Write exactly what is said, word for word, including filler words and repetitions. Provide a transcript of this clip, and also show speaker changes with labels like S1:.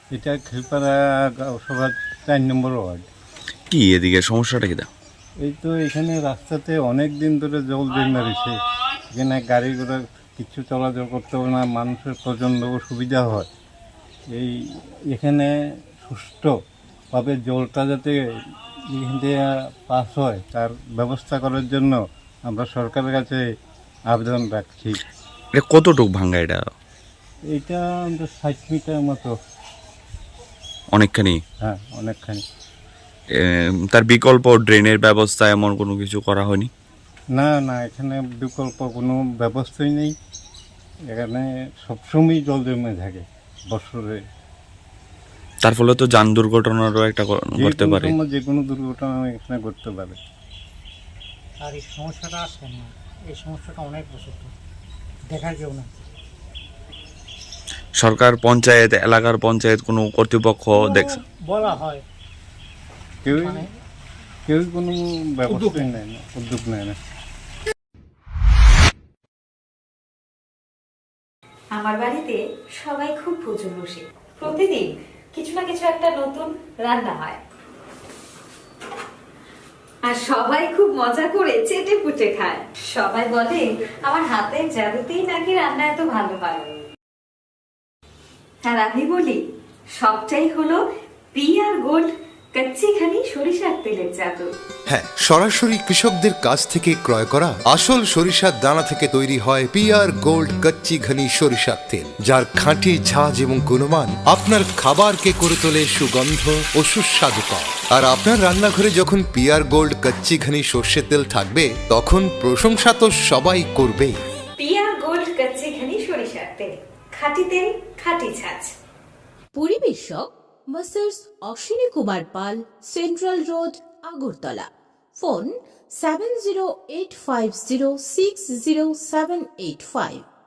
S1: এটা খিলপাড়া সভা চার নম্বর ওয়ার্ড।
S2: কি এদিকে সমস্যাটা কি?
S1: এই তো এখানে রাস্তাতে অনেক দিন ধরে জল জমে রয়েছে। এখানে গাড়ি ঘোড়া কিছু চলাচল করতে হবে না, মানুষের প্রচণ্ড সুবিধা হয়। এই এখানে সুষ্ঠুভাবে জলটা যাতে এখান থেকে পাস হয় তার ব্যবস্থা করার জন্য আমরা সরকারের কাছে আবেদন রাখছি।
S2: এটা কতটুকু ভাঙ্গা? এটা
S1: এইটা আমাদের ষাট মিটার মতো।
S2: অনেকখানি।
S1: হ্যাঁ, অনেকখানি।
S2: এ, তার বিকল্প ড্রেনের ব্যবস্থা এমন কোনো কিছু করা হয়নি?
S1: না না, এখানে বিকল্প কোনো ব্যবস্থাই নেই। এখানে সবসময় জল জমে থাকে বছরে।
S2: তার ফলে তো যান দুর্ঘটনারও একটা ক-
S1: যে
S2: ঘটতে
S1: কোনো
S2: পারে।
S1: সময় যে কোনো দুর্ঘটনা এখানে ঘটতে পারে।
S3: আর এই সমস্যাটা আসে না, এই সমস্যাটা অনেক বছর ধরে দেখার কেউ না।
S2: সরকার, পঞ্চায়েত, এলাকার পঞ্চায়েত, কোনো কর্তৃপক্ষ দেখছে?
S3: বলা হয়,
S1: কেউই
S3: মানে
S1: কেউই কোনো ব্যবস্থাই নেয় না, উদ্যোগ নেয় না।
S4: আমার বাড়িতে সবাই খুব প্রচুর বসে, প্রতিদিন কিছু না কিছু একটা নতুন রান্না হয়, আর সবাই খুব মজা করে চেটে পুটে খায়। সবাই বলে আমার হাতের জাদুতেই নাকি রান্না এত ভালো হয়। আর আমি বলি সবটাই হলো পিআর গোল্ড কচ্চি ঘানি সরিষার তেলের জাদু।
S5: হ্যাঁ, সরাসরি কৃষকদের কাছ থেকে ক্রয় করা আসল সরিষার দানা থেকে তৈরি হয় পিআর গোল্ড কচ্চি ঘনি সরিষার তেল, যার খাঁটি ঝাঁজ এবং গুণমান আপনার খাবারকে করে তোলে সুগন্ধ ও সুস্বাদুকর। আর আপনার রান্নাঘরে যখন পিআর গোল্ড কচ্চি ঘনি সর্ষের তেল থাকবে, তখন প্রশংসা তো সবাই করবেই।
S4: পিআর গোল্ড কচ্চি ঘানি সরিষার তেল, খাঁটি তেল, খাঁটি ছাঁচ।
S6: পরিবেশক messrs Ashwini Kumar Pal, central road, Agartala. Phone seven zero eight five zero six zero seven eight five.